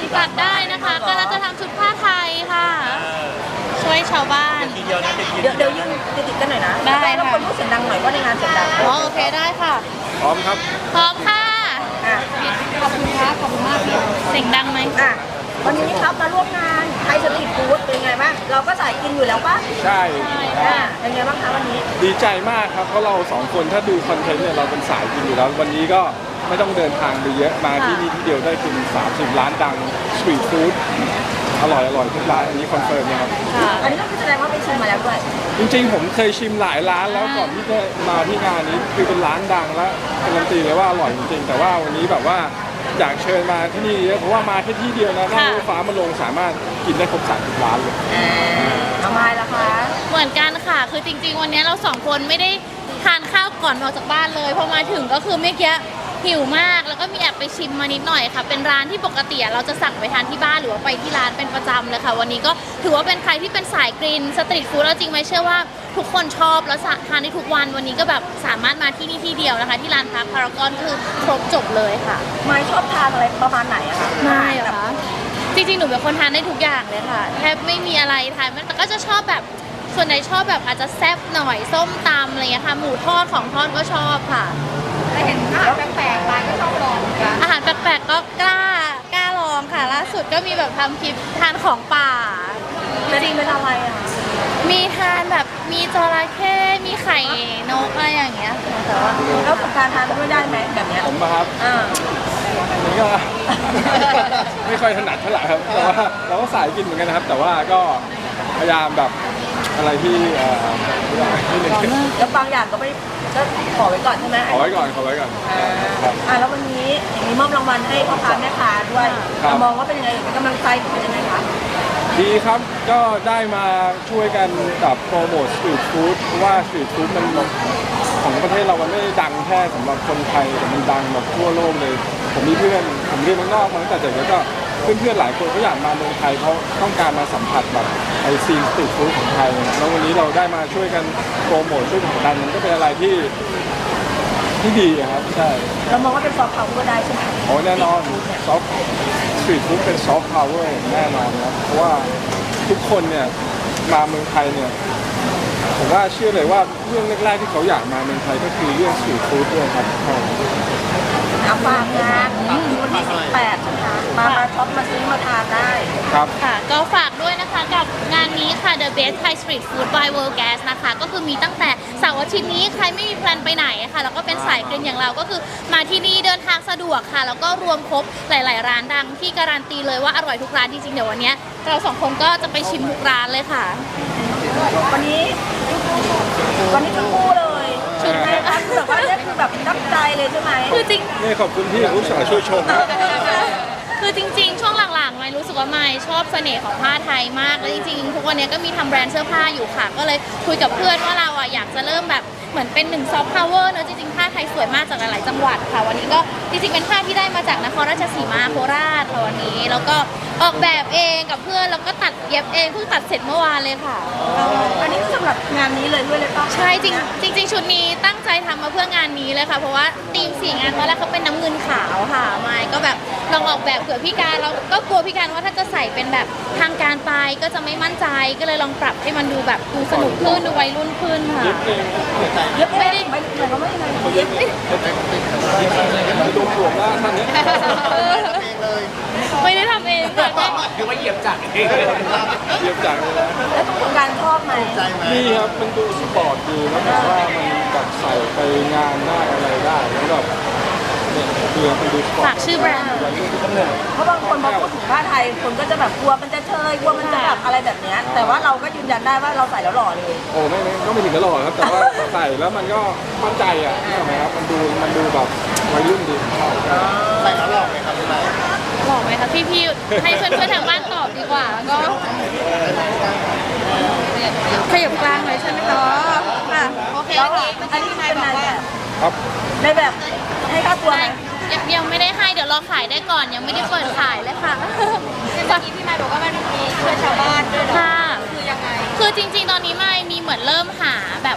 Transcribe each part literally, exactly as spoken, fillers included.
สั่งตัดได้นะคะก็เราจะทำชุดผ้าไทยค่ะช่วยชาวบ้านทีเดียวนะเดี๋ยวเดี๋ยวยืนติดกันหน่อยนะได้แล้วคนพูดเสียงดังหน่อยว่าในงานเสียงดังอ๋อโอเคได้ค่ะพร้อมครับพร้อมค่ะขอบคุณค่ะขอบคุณมากพี่เสียงดังไหมอ่ะวันนี้ครับมาร่วมงานไทยสตรีทฟู้ดเป็นไงบ้างเราก็สายกินอยู่แล้วป่ะใช่เป็นไงบ้างคะวันนี้ดีใจมากครับเพราะเราสองคนถ้าดูคอนเทนต์เนี่ยเราเป็นสายกินอยู่แล้ววันนี้ก็ไม่ต้องเดินทางไปเยอะมาที่นี่ที่เดียวได้กินสามสิบร้านดังสตรีทฟู้ดอร่อยอร่อยทุกร้านอันนี้คอนเฟิร์มนะครับอันนี้ก็แสดงว่าไปชิมมาแล้วด้วยจริงๆผมเคยชิมหลายร้านแล้วก่อนที่จะมาที่งานนี้คือเป็นร้านดังและการันตีเลยว่าอร่อยจริงๆแต่ว่าวันนี้แบบว่าอยากเชิญมาที่นี่เยอะเพราะว่ามาแค่ที่เดียวนะนั่งรถฟ้ามาลงสามารถกินได้ครบสามสิบร้านเลยทำไมล่ะคะเหมือนกันค่ะคือจริงๆวันนี้เราสองคนไม่ได้ทานข้าวก่อนออกจากบ้านเลยพอมาถึงก็คือเมื่อกี้หิวมากแล้วก็มีแอบไปชิมมานิดหน่อยค่ะเป็นร้านที่ปกติเราจะสั่งไปทานที่บ้านหรือว่าไปที่ร้านเป็นประจำเลยค่ะวันนี้ก็ถือว่าเป็นใครที่เป็นสายกินสตรีทฟู้ดแล้วจริงไหมเชื่อว่าทุกคนชอบแล้วทานได้ทุกวันวันนี้ก็แบบสามารถมาที่นี่ที่เดียวนะคะที่ร้านพักพารากอนคือครบจบเลยค่ะไม่ชอบทานอะไรประมาณไหนอะคะไม่เหรอคะจริงๆหนูเป็นคนทานได้ทุกอย่างเลยค่ะแทบไม่มีอะไรทานแต่ก็จะชอบแบบส่วนไหนชอบแบบอาจจะแซ่บหน่อยส้มตำอะไรเงี้ยค่ะหมูทอดของทอดก็ชอบค่ะถ้าเห็นอาหารแปลกๆมาก็ชอบลองกันอาหารแปลกๆก็กล้ากล้าลองค่ะล่าสุดก็มีแบบทำคลิปทานของป่าจริงเป็นอะไรอ่ะมีทานแบบมีจระเข้มีไข่นกอะไรอย่างเงี้ยแต่ว่าแล้วกับการทานไม่ได้ไหมแบบเนี้ยผมครับอ่านี่ก็ไม่ค่อยถนัดเท่าไหร่ครับแต่ว่าเราก็สายกินเหมือนกันนะครับแต่ว่าก็พยายามแบบอะไรที่เอ่อที่หนึ่งแล้วบางอย่างก็ไม่ก็ขอไว้ก่อนใช่ไหมขอไว้ก่อนขอไว้ก่อนอ่าแล้ววันนี้อย่างนี้มอบรางวัลให้พ่อค้าแม่ค้าด้วยเรามองว่าเป็นยังไงเป็นกำลังใจเป็นยังไงคะดีครับก็ได้มาช่วยกันกับโปรโมทสตรีทฟู้ดเพราะว่าสตรีทฟู้ดมันของประเทศเรามันไม่ได้ดังแค่สำหรับคนไทยแต่มันดังแบบทั่วโลกเลยผมมีเพื่อนผมเรียนเมืองนอกมาตั้งแต่เด็กแล้วก็เพื่อนๆหลายคนก็อยากมาเมืองไทยเพราะต้องการมาสัมผัสแบบไอซีนสตรีทฟู้ดของไทยแล้ววันนี้เราได้มาช่วยกันโปรโมทช่วยผลักดันมันก็เป็นอะไรที่ที่ดีครับใช่เรามองว่าเป็นซอฟต์พาวเวอร์ได้ใช่ไหมโอ้แน่นอนซอฟต์สตรีทฟู้ดเป็นซอฟต์พาวเวอร์แน่นอนครับเพราะว่าทุกคนเนี่ยมาเมืองไทยเนี่ยผมว่าเชื่อเลยว่าเรื่องแรกๆที่เขาอยากมาเมืองไทยก็คือเรื่องสตรีทฟู้ดด้วยครับเอาฝากงานวันที่สิบแปดนะคะมามาช็อปมาซื้อมาทานได้ครับค่ะก็ฝากด้วยนะคะกับงานนี้ค่ะ The Best Thai Street Food by World Gas นะคะก็คือมีตั้งแต่เสาร์อาทิตย์นี้ใครไม่มีแพลนไปไหนค่ะแล้วก็เป็นสายกินอย่างเราก็คือมาที่นี่เดินทางสะดวกค่ะแล้วก็รวมครบหลายๆร้านดังที่การันตีเลยว่าอร่อยทุกร้านจริงๆเดี๋ยววันนี้เราสองคนก็จะไปชิมทุกร้านเลยค่ะวันนี้วันนี้ทั้งคู่เลยชุดแม่บ้านแบบว่าเนี่ยคือแบบตั้งใจเลยใช่ไหมคือจริงนี่ขอบคุณที่อุตส่าห์ช่วยชมคือจริงๆช่วงหลังๆไม่รู้สึกว่าไม่ชอบเสน่ห์ของผ้าไทยมากแล้วจริงๆทุกวันนี้ก็มีทำแบรนด์เสื้อผ้าอยู่ค่ะก็เลยคุยกับเพื่อนว่าเราอ่ะอยากจะเริ่มแบบเหมือนเป็นหนึ่งซอฟต์พาวเวอร์เนอะจริงๆผ้าไทยสวยมากจากหลายๆจังหวัดค่ะวันนี้ก็จริงๆเป็นผ้าที่ได้มาจากนครราชสีมาโคราชค่ะวันนี้แล้วก็ออกแบบเองกับเพื่อนแล้วก็ตัดเย็บเองเพิ่งตัดเสร็จเมื่อวานเลยค่ะอันนี้สำหรับงานนี้เลยด้วยเลยป่ะใช่จริงจริงๆชุดนี้ตั้งใจทำมาเพื่องานนี้เลยค่ะเพราะว่าธีมสีงานตอนแรกเขาเป็นน้ำเงินขาวค่ะไม่ก็แบบลองออกแบบเผื่อพี่การเราก็กลัวพี่การว่าถ้าจะใส่เป็นแบบทางการไปก็จะไม่มั่นใจก็เลยลองปรับให้มันดูแบบดูสนุกขึ้นดูวัยรุ่นขึ้นค่ะเย็บไม่ได้ไม่ได้ไม่ได้เย็บไม่ได้ดูหลวงว่าท่านนี้ไม่ได้ทำเองค่ะคือว่าเหยียบจักรเองเหยียบจักรเลยนะแล้วทุกการชอบไหมนี่ครับมันดูสปอร์ตดีแล้วแบบว่ามันแบบใส่ไปงานได้อะไรได้แล้วแบบเนี่ยคือมันดูสปอร์ตฝากชื่อแบรนด์เพราะบางคนพอพูดถึงผ้าไทยคนก็จะแบบกลัวมันจะเชยกลัวมันจะแบบอะไรแบบนี้แต่ว่าเราก็ยืนยันได้ว่าเราใส่แล้วหล่อเลยโอ้ไม่ไม่ก็ไม่ถึงกับหล่อครับแต่ว่าใส่แล้วมันก็มั่นใจอ่ะใช่ไหมครับมันดูมันดูแบบวัยรุ่นดีใส่แล้วหล่อไหมครับพี่ไม้หล่อไหมคะพี่พี่ให้เพื่อนเพื่อนทางบ้านตอบดีกว่าก็ขยับกลางเลยใช่ไหมคะค่ะโอเคโอเคอันนี้เป็นนายแบบครับในแบบให้ค่าตัวไหมยังไม่ได้ให้เดี๋ยวรอขายได้ก่อนยังไม่ได้เปิดขายเลยค่ะเมื่อกี้พี่ไม้บอกว่ามันมีช่วยชาวบ้านด้วยค่ะคือยังไงคือจริงๆตอนนี้ไม่มีเหมือนเริ่มหาแบบ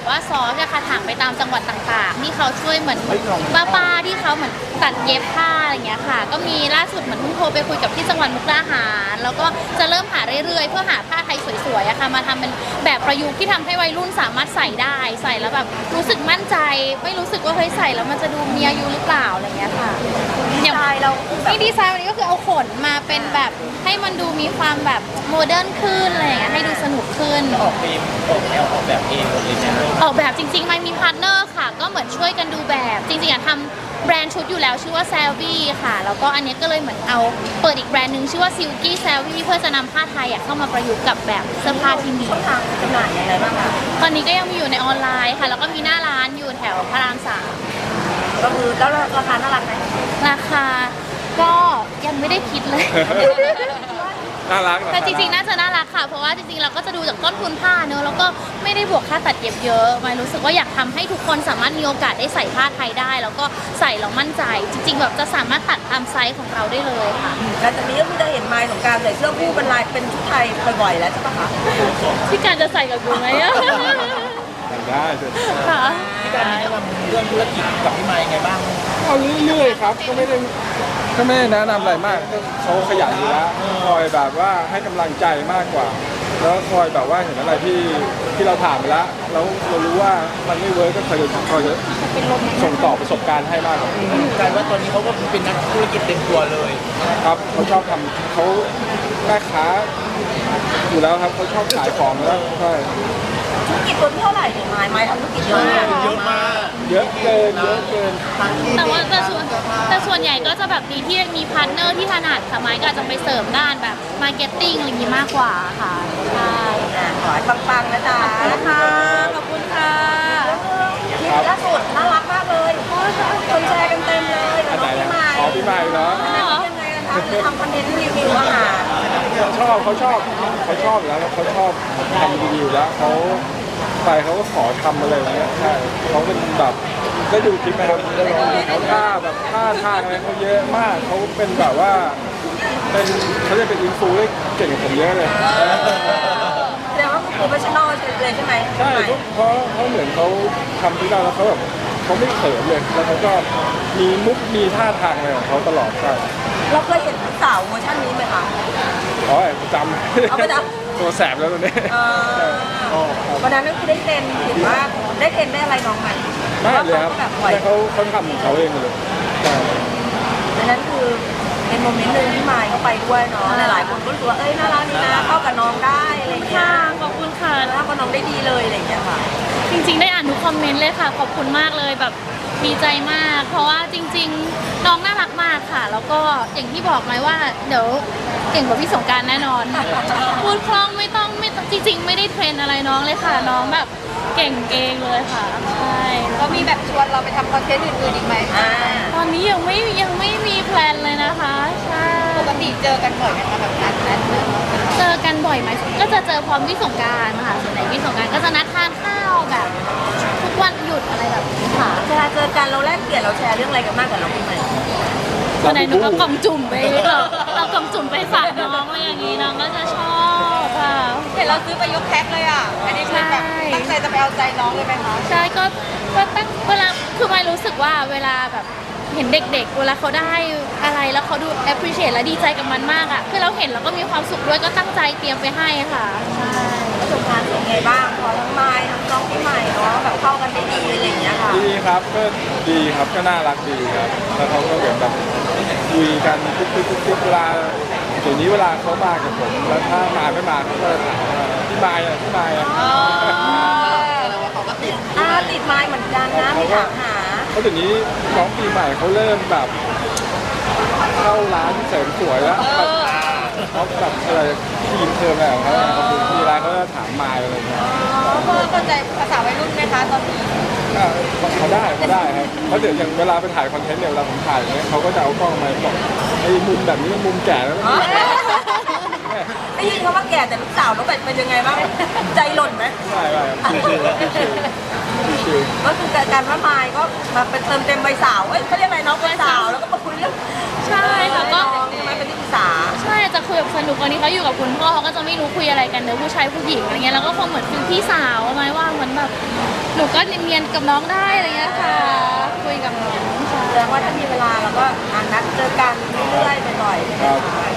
ว่าซอสอะค่ะถางไปตามจังหวัดต่างๆ ที่เขาช่วยเหมือนป้าๆที่เขาเหมือนตัดเย็บผ้าอะไรเงี้ยค่ะ ก็มีล่าสุดเหมือนเพิ่งโทรไปคุยกับที่จังหวัดมุกดาหารแล้วก็จะเริ่มหาเรื่อยๆเพื่อหาผ้าไทยสวยๆอะค่ะมาทำเป็นแบบประยุกต์ที่ทำให้วัยรุ่นสามารถใส่ได้ใส่แล้วแบบรู้สึกมั่นใจไม่รู้สึกว่าเฮ้ยใส่แล้วมันจะดูมีอายุหรือเปล่าอะไรเงี้ยค่ะดีไซน์เราคือแบบนี่ดีไซน์วันนี้ก็คือเอาขนมาเป็นแบบให้มันดูมีความแบบโมเดิร์นขึ้นอะไรอย่างเงี้ยให้ดูสนุกขึ้นออกธีมออกแนวออกแบบเองหมดเลยใช่ไหมออกแบบจริงๆไม่มีพาร์ทเนอร์ค่ะ ก็เหมือนช่วยกันดูแบบ จริงๆอะทำแบรนด์ชุดอยู่แล้วชื่อว่า Savvy ค่ะ แล้วก็อันเนี้ยก็เลยเหมือนเอาเปิดอีกแบรนด์หนึ่งชื่อว่า Silky Savvy เพื่อจะนำผ้าไทยอะเข้ามาประยุกต์กับแบบเสื้อผ้าที่มีช่องทางจำหน่ายยังไงบ้างคะตอนนี้ก็ยังมีอยู่ในออนไลน์ค่ะ แล้วก็มีหน้าร้านอยู่แถวพระรามสามก็คือแล้วราคาน่ารักไหมราคาก็ยังไม่ได้คิดเลยน่ารักแต่จริงๆ น่าจะน่ารักค่ะ เพราะว่าจริงๆ เราก็จะดูจากต้นทุนผ้าเนอะแล้วก็ไม่ได้บวกค่าตัดเย็บเยอะไม่รู้สึกว่าอยากทำให้ทุกคนสามารถมีโอกาสได้ใส่ผ้าไทยได้ แล้วก็ใส่แล้วมั่นใจ จริง ๆ แบบจะสามารถตัดตามไซส์ของเราได้เลยค่ะแล้วจากนี้ก็คือจะเห็นไมล์ของการใส่เสื้อคู่เป็นลายเป็นชุดไทยบ่อยๆแล้วใช่ปะคะพี่การจะใส่กับกูไหมอะได้สิค่ะพี่การมีแนะนำเรื่องธุรกิจกับพี่ไมค์ไงบ้างเอาเรื่อยๆครับก็ไม่ได้ก็ไม่ได้แนะนำอะไรมากก็เขาขยันอยู่แล้วคอยแบบว่าให้กำลังใจมากกว่า แล้วคอยแบบว่าเห็นอะไรที่ที่เราผ่านไปแล้วแล้วเรารู้ว่ามันไม่เวิร์กก็คอยคอยส่งต่อประสบการณ์ให้มากกว่ากลายว่าตอนนี้เขาก็เป็นนักธุรกิจเต็มตัวเลยครับเขาชอบทำเขาแม่ค้าอยู่แล้วครับเขาชอบขายของแล้วใช่ธุรกิจตัวที่เท่าไหร่เนี่ยไมล์ไมล์ทำธุรกิจเยอะมากเยอะมากเยอะเกินเยอะเกินแต่ว่าแต่ส่วนแต่ส่วนใหญ่ก็จะแบบดีที่มีพาร์ทเนอร์ที่ถนัดค่ะไม้ก็อาจจะไปเสริมด้านแบบมาร์เก็ตติ้งอะไรอย่างนี้มากกว่าค่ะใช่อ่ะขอให้ปังๆนะจ๊ะค่ะขอบคุณค่ะนี่ล่าสุดน่ารักมากเลยคนแชร์กันเต็มเลยอันน้ไหนองพี่นะไมล์อ๋อพี่ใหม่เนาะอันนั้นยังไงนะคะคือทำคอนเทนต์รีวิวอาหารเขาชอบเขาชอบเขาชอบอยู่แล้วเขาชอบทำรีวิวแล้วเขาไปเขาก็ขอทำอะไรอย่างเงี้ยใช่เขาเป็นแบบได้ดูคลิปไหมครับเขาท่าแบบท่าทางอะไรเขาเยอะมากเขาเป็นแบบว่าเป็นเขาจะเป็นอินฟูได้เก่งกว่าผมเยอะเลยแสดงว่าโปรเฟชชั่นอลเลยใช่ไหมใช่เพราะเพราะเหมือนเขาทำที่เราแล้วเขาแบบเขาไม่เขินเลยแล้วเขาก็มีมุกมีท่าทางอะไรของเขาตลอดใช่เราเคยเห็นสาวเวอร์ชันนี้ไหมคะอ๋อประจำเอาประจตัวแสบแล้วตัวนี้เออวันนั้นก็คือได้เทรนเห็นว่าได้เทรนได้อะไรน้องไหมไม่เลยครับว่าเขาก็แบบปล่อยแต่เขาเขาทำของเขาเองเลยใช่ดังนั้นคือเป็นโมเมนต์หนึ่งที่มายเขาไปด้วยเนาะหลายๆคนก็รู้สึกว่าเอ้ยน่ารักดีนะเข้ากับน้องได้อะไรอย่างเงี้ค่ะยขอบคุณค่ะเข้ากับน้องได้ดีเลยอะไรอย่างเงี้ยค่ะจริงๆ ได้อ่านทุกคอมเมนต์เลยค่ะ ขอบคุณมากเลยแบบดีใจมาก เพราะว่าจริงๆ น้องน่ารักมากค่ะ แล้วก็อย่างที่บอกไหมว่าเดี๋ยวเก่งกว่าพี่สงกรารแน่นอน พูดคล่องไม่ต้องไม่ต้องจริง ๆ ไม่ได้เทรนอะไรน้องเลยค่ะ น้องแบบเก่งเองเลยค่ะใช่ก็มีแบบชวนเราไปทำคอนเทนต์อื่นๆอีกไหมอ่าตอนนี้ยังไม่ยังไม่มีแพลนเลยนะคะใช่ปกติเจอกันบ่อยไหมคะแบบนั้นนั้นเจอกันบ่อยไหมก็จะเจอพร้อมพี่สงกรารค่ะส่วนใหญ่พี่สงกรารก็จะนัดทานข้าวแบบทุกวันหยุดอะไรแบบนี้ค่ะเวลาเจอกันเราแลกเปลี่ยนเราแชร์เรื่องอะไรกันมากกว่าน้องปีใหม่ส่วนใหญ่หนูก็กล่องจุ่มไปเราเรากล่องจุ่มไปฝากน้องอะไรอย่างนี้น้องก็จะชอบค่ะเห็นเราซื้อไปยกแพ็คเลยอ่ะ อันนี้คือแบบใช่ตั้งใจจะไปเอาใจน้องเลยไหมคะใช่ก็ก็ตั้งเวลาคือไม่รู้สึกว่าเวลาแบบเห็นเด็กๆ เวลาเขาได้อะไรแล้วเขาดู appreciate และดีใจกับมันมากอ่ะคือเราเห็นแล้วก็มีความสุขด้วยก็ตั้งใจเตรียมไปให้ค่ะใช่ประสบการณ์เป็นไงบ้างพอทั้งไม้ทั้งน้องปีใหม่เนาะแบบเข้ากันได้ดีอะไรอย่างเงี้ยค่ะดีครับก็ดีครับก็น่ารักดีครับ แล้วเขาก็เหมือนแบบคุยกันทุกๆทุกๆเวลาเดี๋ยวนี้เวลาเขามากับผมแล้วถ้ามาไม่มาเขาก็ถามว่าพี่มายอ่ะพี่มายอ่ะแล้วว่าเขาก็ติดอ่าติดไม้เหมือนกันนะมีถามหาเพราะเดี๋ยวนี้น้องปีใหม่เขาเริ่มแบบเข้าร้านเสริมสวยแล้วแบบเขาแบบอะไรทีมเทอมอะไรของเขาเนี่ยเขาดูที่ร้านเขาจะถามมายอะไรเงี้ยเพื่อเข้าใจภาษาวัยรุ่นไหมคะตอนนี้อ่าเขาได้เขาได้ครับเพราะเดี๋ยวอย่างเวลาไปถ่ายคอนเทนต์เนี่ยเวลาผมถ่ายเนี่ยเขาก็จะเอากล้องมาบอกไอ้มุมแบบนี้มันมุมแก่แล้วอ๋อ ได้ยินเขาว่าแก่แต่ลูกสาวน้องเป็ดเป็นยังไงบ้างใจหล่นไหมใช่ใช่ชิวก็คือการว่าไม้ก็มาเป็นเติมเต็มใบสาวเอ้ยเขาเรียกอะไรน้องใบสาวแล้วก็มาคุยเรื่องใช่ค่ะก็ทำไมเป็นที่ปรึกษาใช่จะคุยกับสนุกตอนนี้เขาอยู่กับคุณพ่อเขาก็จะไม่รู้คุยอะไรกันเนอะผู้ชายผู้หญิงอะไรเงี้ยแล้วก็คงเหมือนฟิลพี่สาวไหมว่าเหมือนแบบหนูก็เนียนๆกับน้องได้อะไรเงี้ยค่ะคุยกับน้องค่ะแสดงว่าถ้ามีเวลาเราก็อ่านนัดเจอกันเรื่อยๆบ่อยๆครับใ